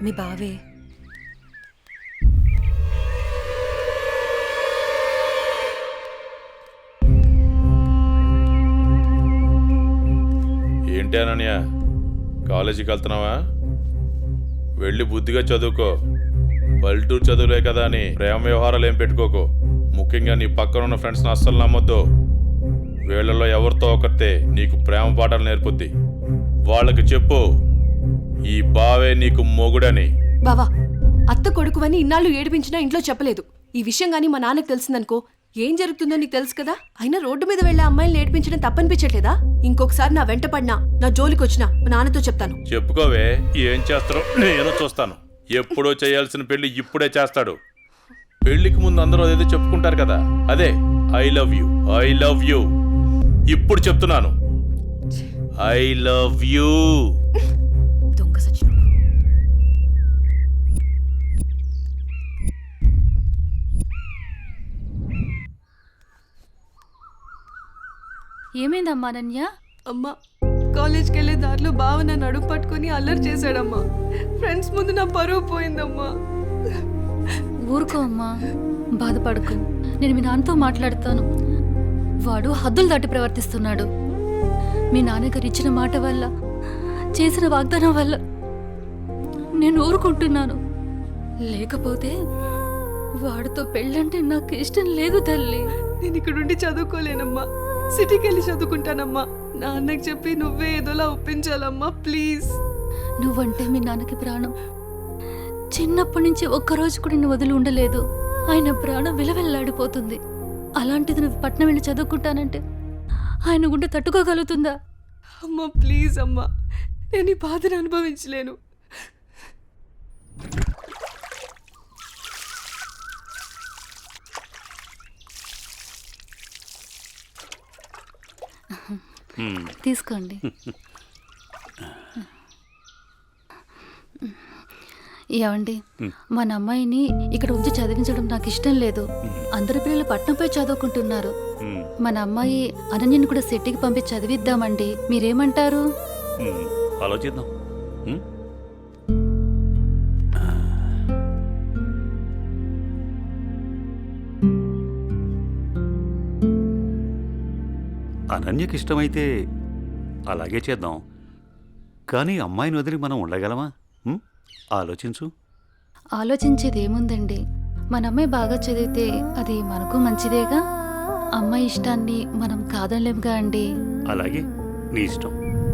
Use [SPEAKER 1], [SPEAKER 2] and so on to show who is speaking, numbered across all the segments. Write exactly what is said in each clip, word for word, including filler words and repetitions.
[SPEAKER 1] మీ బావే.
[SPEAKER 2] ఏంటి అనన్య, కాలేజీకి వెళ్తున్నావా? వెళ్ళి బుద్ధిగా చదువుకో. పల్లెటూరు చదువులే కదా అని ప్రేమ వ్యవహారాలు ఏం పెట్టుకోకు. ముఖ్యంగా నీ పక్కన ఉన్న ఫ్రెండ్స్ని అస్సలు నమ్మొద్దు. వీళ్ళలో ఎవరితో ఒకరితే నీకు ప్రేమ పాఠాలు నేర్పుద్ది. వాళ్ళకి చెప్పు ఈ బావే నీకు మొగుడని.
[SPEAKER 3] బావా, అత్త కొడుకువని ఇన్నాళ్ళు ఏడిపించినా ఇంట్లో చెప్పలేదు. ఈ విషయం గానీ మా నాన్నకు తెలిసిందనుకో ఏం జరుగుతుందో నీకు తెలుసు కదా. అయినా రోడ్డు మీద వెళ్లే అమ్మాయిని ఏడిపించడం తప్పనిపించట్లేదా? ఇంకొకసారి నా వెంట పడినా, నా జోలికి వచ్చినా మా నాన్నతో చెప్తాను.
[SPEAKER 2] చెప్పుకోవే, ఏం చేస్తారో నేను చూస్తాను. ఎప్పుడో చేయాల్సిన పెళ్లి ఇప్పుడే చేస్తాడు. పెళ్లికి ముందు అందరూ అదేదో చెప్పుకుంటారు కదా, అదే I love you I love you. ఇప్పుడు చెప్తున్నాను, ఐ లవ్ యూ.
[SPEAKER 3] దొంగ సచిన.
[SPEAKER 1] ఏమైందమ్మా అనన్య?
[SPEAKER 3] అమ్మా, కాలేజ్కి వెళ్లే దారిలో బావ నన్ను అడుగు పట్టుకుని అల్లరి చేశాడమ్మా. ఫ్రెండ్స్ ముందు నా పరువు పోయిందమ్మా.
[SPEAKER 1] ఊరుకో అమ్మా, బాధపడకు. నేను మీ నాన్నతో మాట్లాడతాను. వాడు హద్దులు దాటి ప్రవర్తిస్తున్నాడు. మీ నాన్నగారు ఇచ్చిన మాట వల్ల, చేసిన వాగ్దానం వల్ల నేను ఊరుకుంటున్నాను. లేకపోతే వాడితో పెళ్ళంటే నాకు ఇష్టం లేదు తల్లి.
[SPEAKER 3] నేను ఇక్కడుండి చదువుకోలేనమ్మా, సిటీకి వెళ్ళి చదువుకుంటానమ్మా. నాన్నకి చెప్పి నువ్వే ఏదోలా ఒప్పించాలమ్మా, ప్లీజ్.
[SPEAKER 1] నువ్వంటే మీ నాన్నకి ప్రాణం. చిన్నప్పటి నుంచి ఒక్కరోజు కూడా నేను వదిలి ఉండలేదు. ఆయన ప్రాణం విలవెల్లాడిపోతుంది. అలాంటిది నువ్వు పట్నం వెళ్ళి చదువుకుంటానంటే ఆయన గుండె తట్టుకోగలుగుతుందా?
[SPEAKER 3] అమ్మా ప్లీజ్ అమ్మా, నేను ఈ బాధను అనుభవించలేను.
[SPEAKER 1] తీసుకోండి. ఏమండి, మన అమ్మాయిని ఇక్కడ ఉంచి చదివించడం నాకు ఇష్టం లేదు. అందరి పిల్లలు పట్నంపై చదువుకుంటున్నారు. మన అమ్మాయి అనన్యని కూడా సిటీకి పంపి చదివిద్దామండి. మీరేమంటారు?
[SPEAKER 4] ఆలోచిద్దాం. అనన్యకి ఇష్టమైతే అలాగే చేద్దాం. కానీ అమ్మాయిని వదిలి మనం ఉండగలమా? ఆలోచించు.
[SPEAKER 1] ఆలోచించేది ఏముందండి, మన అమ్మాయి బాగా చదివితే అది మనకు మంచిదేగా. అమ్మాయి ఇష్టాన్ని మనం కాదనలేముగా అండి.
[SPEAKER 4] అలాగే, నీ ఇష్టం.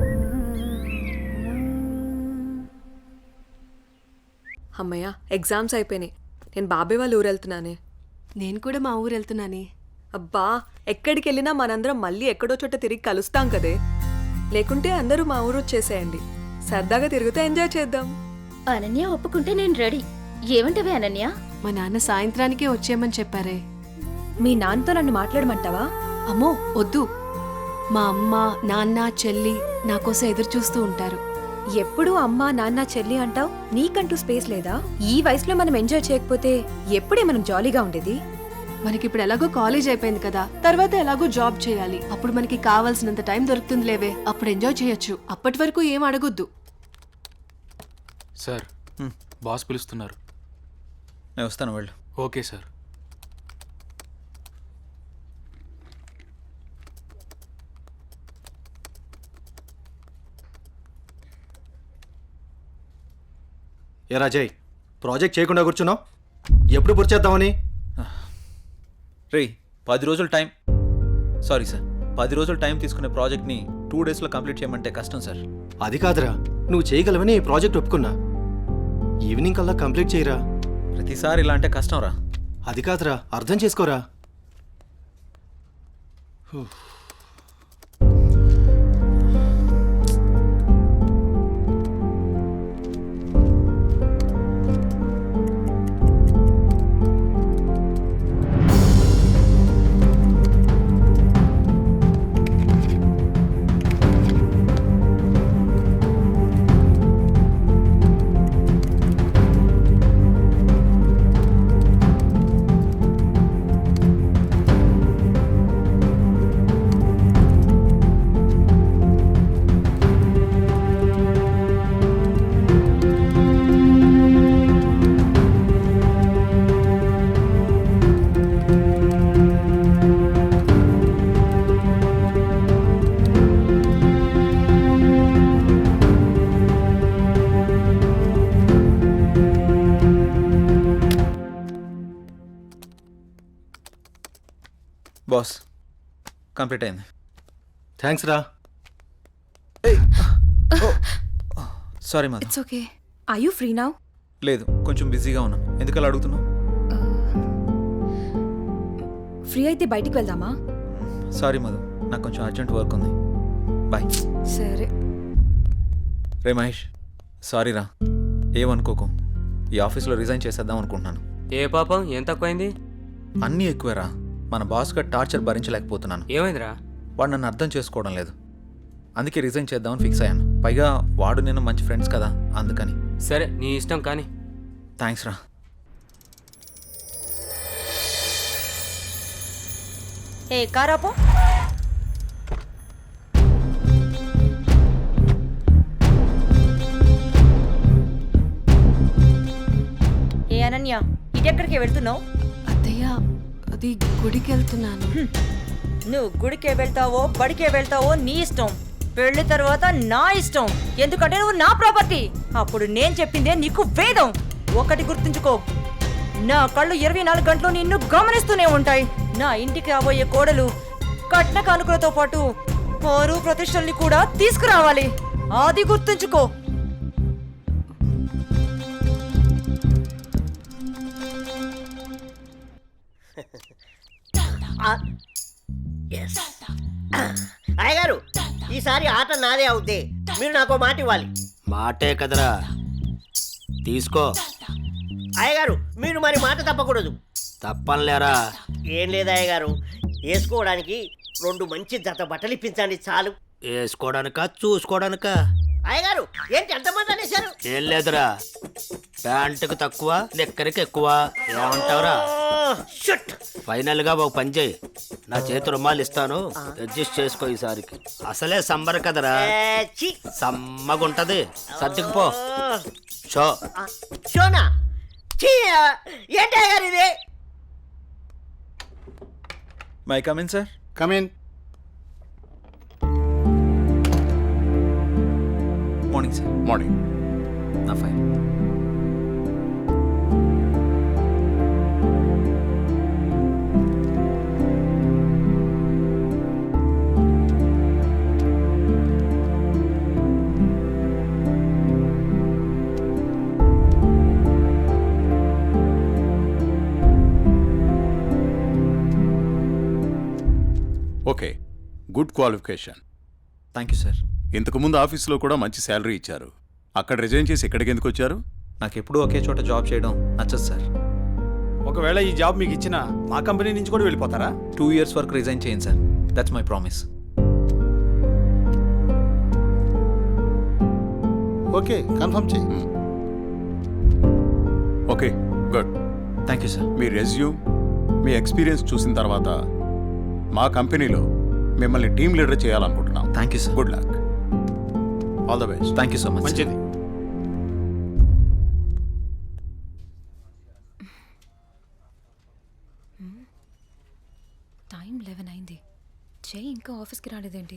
[SPEAKER 5] అమ్మయ్య, ఎగ్జామ్స్ అయిపోయినాయి. నేను బాబాయ్ వాళ్ళ ఊరు వెళ్తున్నానే.
[SPEAKER 3] నేను కూడా మా ఊరు వెళ్తున్నానే.
[SPEAKER 5] అబ్బా, ఎక్కడికి వెళ్ళినా మనందరం మళ్ళీ ఎక్కడో చోట తిరిగి కలుస్తాం కదే. లేకుంటే అందరూ మా ఊరు వచ్చేసేయండి. సరదాగా తిరుగుతూ ఎంజాయ్ చేద్దాం.
[SPEAKER 6] అనన్య ఒప్పుకుంటే నేను రెడీ. ఏమంటవే అనన్య?
[SPEAKER 3] మా నాన్న సాయంత్రానికే వచ్చేయమని చెప్పారే.
[SPEAKER 5] మీ నాన్నతో నన్ను మాట్లాడమంటావా?
[SPEAKER 3] అమ్మో వద్దు, మా అమ్మ నాన్న చెల్లి నా కోసం ఎదురు చూస్తూ ఉంటారు.
[SPEAKER 5] ఎప్పుడూ అమ్మా నాన్న చెల్లి అంటావు. నీకంటూ స్పేస్ లేదా? ఈ వయసులో మనం ఎంజాయ్ చేయకపోతే ఎప్పుడే మనం జాలీగా ఉండేది?
[SPEAKER 3] మనకిప్పుడు ఎలాగో కాలేజ్ అయిపోయింది కదా, తర్వాత ఎలాగో జాబ్ చేయాలి. అప్పుడు మనకి కావాల్సినంత టైం దొరుకుతుంది లేవే, అప్పుడు ఎంజాయ్ చేయొచ్చు. అప్పటి వరకు ఏం అడగొద్దు.
[SPEAKER 7] సార్, బాస్ పిలుస్తున్నారు.
[SPEAKER 8] నేను వస్తాను, వెళ్ళు.
[SPEAKER 7] Okay sir.
[SPEAKER 8] ఏ రాజయ్, ప్రాజెక్ట్ చేయకుండా కూర్చున్నావు? ఎప్పుడు పూర్తి చేద్దామని?
[SPEAKER 9] రే, పది రోజులు టైం సారీ సార్ పది రోజులు టైం తీసుకునే ప్రాజెక్ట్ని టూ డేస్లో కంప్లీట్ చేయమంటే కష్టం సార్.
[SPEAKER 8] అది కాదురా, నువ్వు చేయగలవని ఈ ప్రాజెక్ట్ ఒప్పుకున్నా. ఈవినింగ్ కల్లా కంప్లీట్ చేయరా.
[SPEAKER 9] ప్రతిసారి ఇలా అంటే కష్టం రా.
[SPEAKER 8] అది కాదురా, అర్థం చేసుకోరా.
[SPEAKER 9] బాస్ కంప్లీట్ అయింది.
[SPEAKER 8] థ్యాంక్స్ రా.
[SPEAKER 9] Sorry Madhu.
[SPEAKER 5] It's okay. I you free now?
[SPEAKER 9] లేదు, కొంచెం బిజీగా ఉన్నాను. ఎందుకలా అడుగుతున్నావు?
[SPEAKER 5] ఫ్రీ అయితే బయటికి వెళ్దామా?
[SPEAKER 9] సారీ మధు, నాకు కొంచెం అర్జెంట్ వర్క్ ఉంది. బాయ్.
[SPEAKER 5] సరే.
[SPEAKER 9] రే మహేష్, సారీ రా, ఏమనుకోకు. ఈ ఆఫీస్లో రిజైన్ చేసేద్దాం అనుకుంటున్నాను.
[SPEAKER 7] ఏ పాపం ఏం తక్కువైంది?
[SPEAKER 9] అన్నీ ఎక్కువేరా. మన బాస్గా టార్చర్ భరించలేకపోతున్నాను.
[SPEAKER 7] ఏమైందిరా?
[SPEAKER 9] వాడు నన్ను అర్థం చేసుకోవడం లేదు. అందుకే రిజైన్ చేద్దామని ఫిక్స్ అయ్యాను. పైగా వాడు నేను మంచి ఫ్రెండ్స్ కదా, అందుకని.
[SPEAKER 7] సరే నీ ఇష్టం కానీ.
[SPEAKER 9] థ్యాంక్స్ రా.
[SPEAKER 6] ఏ కారాపో. ఏ అనన్య, ఇటెక్కడికి వెళ్తున్నావు?
[SPEAKER 3] అత్తయ్య, అది గుడికి వెళ్తున్నాను.
[SPEAKER 6] నువ్వు గుడికే వెళ్తావో బడికే వెళ్తావో నీ ఇష్టం. పెళ్లి తర్వాత నా ఇష్టం. ఎందుకంటే నువ్వు నా ప్రాపర్టీ. అప్పుడు నేను చెప్పిందే నీకు వేదం. ఒకటి గుర్తుంచుకో, నా కళ్ళు ఇరవై నాలుగు గంటలు నిన్ను గమనిస్తూనే ఉంటాయి. నా ఇంటికి రాబోయే కోడలు కట్న కానుకలతో పాటు పరువు ప్రతిష్టల్ని కూడా తీసుకురావాలి. అది గుర్తుంచుకో.
[SPEAKER 10] అయ్యగారు, ఈసారి ఆట నాదే అవుద్ది. మీరు నాకు మాట ఇవ్వాలి.
[SPEAKER 8] మాటే కదరా, తీసుకో.
[SPEAKER 10] అయ్యగారు, మీరు మరి మాట తప్పకూడదు.
[SPEAKER 8] తప్పనిలేరా.
[SPEAKER 10] ఏం లేదు అయ్యగారు, వేసుకోవడానికి రెండు మంచి జత బట్టలు ఇప్పించండి చాలు.
[SPEAKER 8] వేసుకోవడానికా చూసుకోవడానికా?
[SPEAKER 10] అయ్యగారు, ఏంటి ఎంతమంది అనేశారు?
[SPEAKER 8] ఏం లేదురా, ప్యాంటుకు తక్కువ నిక్కరికి ఎక్కువ. ఏమంటావురా?
[SPEAKER 10] షుట్.
[SPEAKER 8] ఫైనల్ గా ఒక పని చేయి, నా చేతి రుమాలు ఇస్తాను, అడ్జస్ట్ చేసుకో ఈసారికి. అసలే సమ్మర్ కదరా,
[SPEAKER 10] ఏ, ఛీ.
[SPEAKER 8] సమ్మగుంటది. సర్దుకుపో. షో.
[SPEAKER 10] ఆ, షోనా? ఛీ, ఏంటి అయ్యగారు ఇది?
[SPEAKER 9] May come in sir.
[SPEAKER 8] Come in.
[SPEAKER 9] Morning sir.
[SPEAKER 2] Morning.
[SPEAKER 9] నా fine.
[SPEAKER 11] Okay, good qualification.
[SPEAKER 9] Thank you sir.
[SPEAKER 11] ఇంతకుముందు ఆఫీస్లో కూడా మంచి శాలరీ ఇచ్చారు. అక్కడ రిజైన్ చేసి ఇక్కడికి ఎందుకు వచ్చారు?
[SPEAKER 9] నాకు ఎప్పుడూ ఒకే చోట జాబ్ చేయడం నచ్చదు సార్.
[SPEAKER 12] ఒకవేళ ఈ జాబ్ మీకు ఇచ్చినా మా కంపెనీ నుంచి కూడా వెళ్ళిపోతారా?
[SPEAKER 9] టూ ఇయర్స్ వరకు రిజైన్ చేయండి sir. That's my promise.
[SPEAKER 12] Okay, confirm చేయి.
[SPEAKER 11] Okay, good.
[SPEAKER 9] Thank you sir.
[SPEAKER 11] మీ రెజ్యూమ్, మీ ఎక్స్పీరియన్స్ చూసిన తర్వాత మా కంపెనీలో మిమ్మల్ని టీమ్ లీడర్ చేయాలనుకుంటున్నాం.
[SPEAKER 9] Thank you sir.
[SPEAKER 11] Good luck. All the best.
[SPEAKER 9] Thank you so much.
[SPEAKER 12] మంచిది.
[SPEAKER 5] టైం లెవెన్ అయింది. జై ఇంకా ఆఫీస్కి రాలేదేంటి?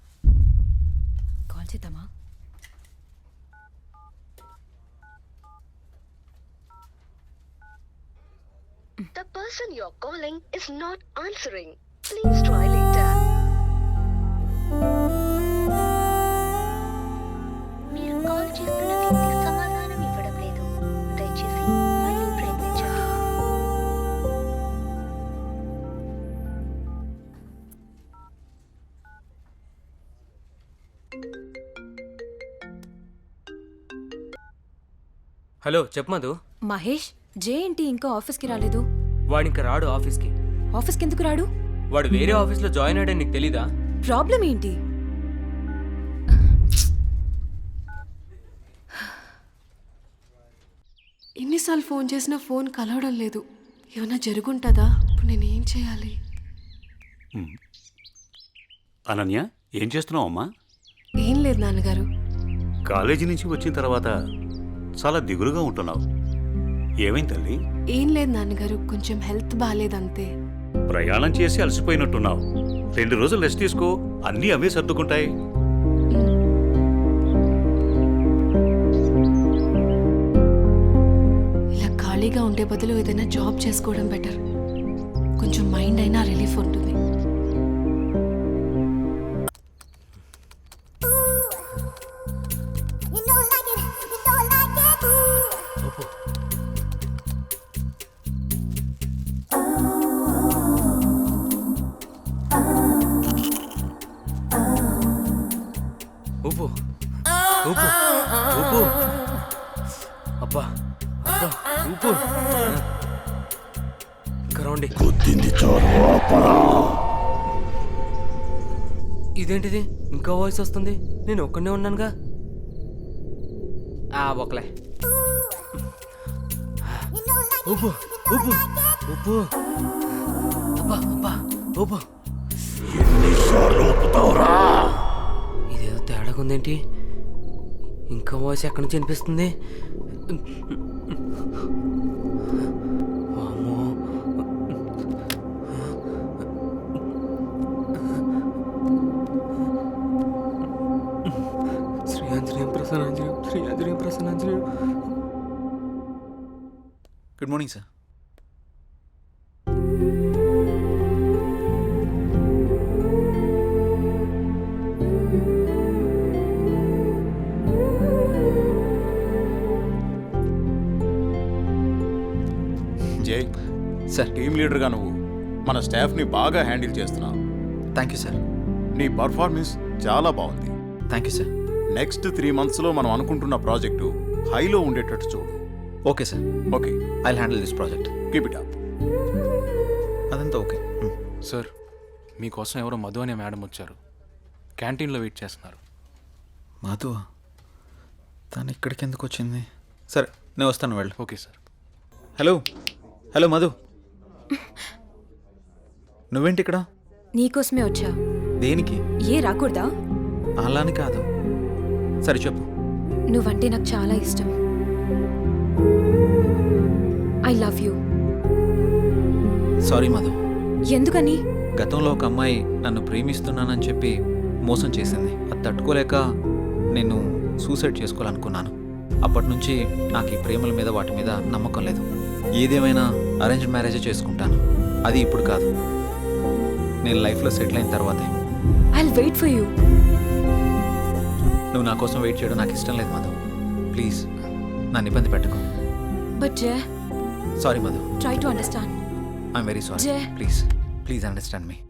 [SPEAKER 5] కాల్ చేద్దామా?
[SPEAKER 13] The person you're calling is not answering. Please try later. మీరు కాల్ చేస్తున్న వ్యక్తి సమాధానం ఇవ్వడం లేదు. దయచేసి మళ్ళీ ప్రయత్నించండి.
[SPEAKER 7] హలో చెప్పు మధు.
[SPEAKER 5] మహేష్, జే ఏంటి ఇంకా ఆఫీస్కి రాలేదు?
[SPEAKER 7] వాడు ఇంకా రాడు ఆఫీస్కి.
[SPEAKER 5] ఆఫీస్కి ఎందుకు రాడు?
[SPEAKER 7] వాడు వేరే ఆఫీస్లో జాయిన్ అయ్యాడని నీకు తెలీదా?
[SPEAKER 5] ప్రాబ్లం ఏంటి?
[SPEAKER 3] ఎన్నిసార్లు ఫోన్ చేసినా ఫోన్ కలవడం లేదు. ఏమైనా జరుగుంటుందా? ఇప్పుడు నేనేం చేయాలి?
[SPEAKER 4] అనన్య, ఏం చేస్తున్నావు అమ్మా?
[SPEAKER 3] ఏం లేదు నాన్నగారు.
[SPEAKER 4] కాలేజీ నుంచి వచ్చిన తర్వాత చాలా దిగులుగా ఉంటున్నావు. ఏమైంది తల్లి?
[SPEAKER 3] ఏం లేదు నాన్నగారు, కొంచెం హెల్త్ బాగాలేదంతే.
[SPEAKER 4] ప్రయాణం చేసి అలసిపోయినట్టున్నావు. రెండు రోజులు రెస్ట్ తీసుకో, అన్నీ అవే సర్దుకుంటాయి.
[SPEAKER 3] ఇలా ఖాళీగా ఉండే బదులు ఏదైనా జాబ్ చేసుకోవడం బెటర్. కొంచెం కొంచెం మైండ్ అయినా రిలీఫ్ ఉంటుంది.
[SPEAKER 7] ఊపు ఊపు ఊపు అబ్బా అబ్బా ఊపు ఇంకా రౌండి. ఇదేంటిది ఇంకా వాయిస్ వస్తుంది? నేను ఒక్కనే ఉన్నానుగా. ఆ ఒకలే ఊపు ఊపు ఊపు అబ్బా అబ్బా ఊపు. ఇదేదో తేడాగా ఉందేంటి? ఇంకా వాయిస్ ఎక్కడి నుంచి వినిపిస్తుంది? వామ్మో. Shri Anjaneyam Prasannanjaneyam Shri Anjaneyam Prasannanjaneyam.
[SPEAKER 9] Good morning sir.
[SPEAKER 11] Jai
[SPEAKER 9] sir.
[SPEAKER 11] Team లీడర్గా నువ్వు మన స్టాఫ్ని బాగా హ్యాండిల్ చేస్తున్నావు.
[SPEAKER 9] Thank you sir.
[SPEAKER 11] నీ పర్ఫార్మెన్స్ చాలా బాగుంది.
[SPEAKER 9] Thank you sir.
[SPEAKER 11] Next three మంత్స్లో మనం అనుకుంటున్న ప్రాజెక్టు హైలో ఉండేటట్టు చూడు.
[SPEAKER 9] Okay sir.
[SPEAKER 11] Okay,
[SPEAKER 9] I handle this project.
[SPEAKER 11] Keep it up.
[SPEAKER 9] అదంతా ఓకే.
[SPEAKER 14] సార్, మీకోసం ఎవరో మధు అనే మేడం వచ్చారు. క్యాంటీన్లో వెయిట్ చేస్తున్నారు.
[SPEAKER 9] మధు తను ఇక్కడికి ఎందుకు వచ్చింది? సరే నేను వస్తాను, వెళ్ళు.
[SPEAKER 14] Okay sir.
[SPEAKER 9] Hello hello Madhu, నువ్వేంటి ఇక్కడ?
[SPEAKER 5] నీకోసమే వచ్చా.
[SPEAKER 9] దేనికి?
[SPEAKER 5] ఏ రాకూడదా?
[SPEAKER 9] అలాని కాదు. సరే చెప్పు.
[SPEAKER 5] నువ్వంటే నాకు చాలా ఇష్టం. I love you.
[SPEAKER 9] Sorry Madhu.
[SPEAKER 5] ఎందుకని?
[SPEAKER 9] గతంలో ఒక అమ్మాయి నన్ను ప్రేమిస్తున్నానని చెప్పి మోసం చేసింది. అది తట్టుకోలేక నేను సూసైడ్ చేసుకోవాలనుకున్నాను. అప్పటి నుంచి నాకు ఈ ప్రేమల మీద వాటి మీద నమ్మకం లేదు. ఏదేమైనా అరేంజ్ మ్యారేజే చేసుకుంటాను. అది ఇప్పుడు కాదు, నేను లైఫ్లో సెటిల్ అయిన తర్వాతే.
[SPEAKER 5] I will wait for you.
[SPEAKER 9] నువ్వు నా కోసం వెయిట్ చేయడం నాకు ఇష్టం లేదు మధు. ప్లీజ్ నన్ను ఇబ్బంది పెట్టకు.
[SPEAKER 5] But Jai,
[SPEAKER 9] sorry Madhu.
[SPEAKER 5] Try to understand.
[SPEAKER 9] I'm very sorry.
[SPEAKER 5] Jai.
[SPEAKER 9] Please please understand me.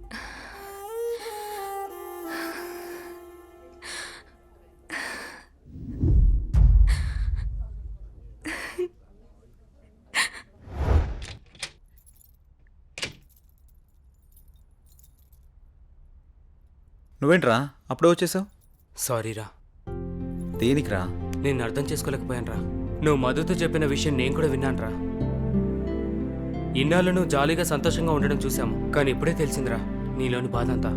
[SPEAKER 9] నువ్వేంట్రా అప్పుడే వచ్చేసావు?
[SPEAKER 7] సారీరా.
[SPEAKER 9] దేనికిరా?
[SPEAKER 7] నేను అర్థం చేసుకోలేకపోయాను రా. నువ్వు మధుతో చెప్పిన విషయం నేను కూడా విన్నాను రా. ఇన్నాళ్ళు నువ్వు జాలీగా సంతోషంగా ఉండడం చూసాము, కానీ ఇప్పుడే తెలిసిందిరా నీలోని బాధ అంతా.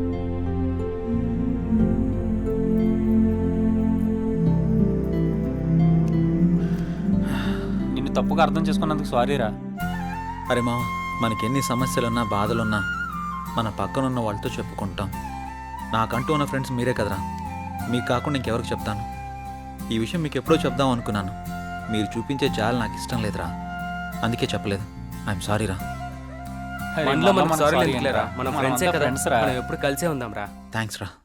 [SPEAKER 12] నిన్ను తప్పుగా అర్థం చేసుకున్నందుకు సారీరా.
[SPEAKER 9] అరే మామ, మనకి ఎన్ని సమస్యలున్నా బాధలున్నా మన పక్కనున్న వాళ్ళతో చెప్పుకుంటాం. నాకంటూ ఉన్న ఫ్రెండ్స్ మీరే కదరా. మీకు కాకుండా ఇంకెవరికి చెప్తాను? ఈ విషయం మీకు ఎప్పుడో చెప్దాం అనుకున్నాను. మీరు చూపించే జాలి నాకు ఇష్టం లేదురా, అందుకే చెప్పలేదు. ఐఎమ్ సారీ రా.
[SPEAKER 7] మనలో మనకు సారీ లేదులేరా, మన ఫ్రెండ్సే కదా, మనం ఎప్పుడు కలిసే ఉందాం రా.
[SPEAKER 9] థ్యాంక్స్ రా.